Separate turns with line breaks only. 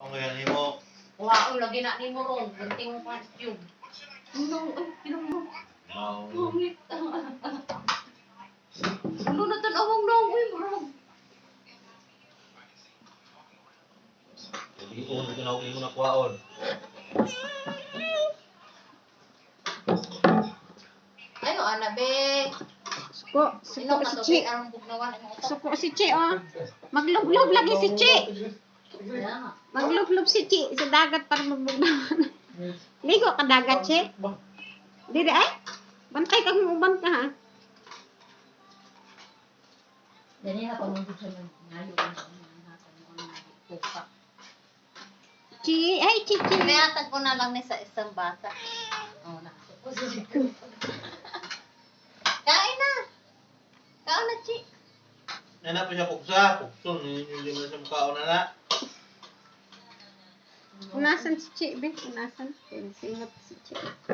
Ang ganyan mo.
Wow, lagi na ni mo ron. Gunting mo pa tube. Ano? Ay, pinong
Wow.
Pangit. Ano na tanawang na? Uy, marag.
Hindi ko tinawag mo na kuwaon.
Ayo, Anabe.
Suko si Chi. Suko si Chi, oh. Maglublob lagi si Chi. Maglublob si Chi sa dagat para magbugnawan. Ligo ka dagat, Chi. Dili ay. Bantay kang uban ka, ha.
Dali na pamundod sa ngayon.
Chi, ay Chi.
May atag ko na lang ni sa isang bata. Oh, na. Kain na. Kain na, Chi.
Nana pa siya puksa. Pukso. Hindi mo na siya mukhaon na na.
Unasan si Chi, be? Unasan? Singot si Chi.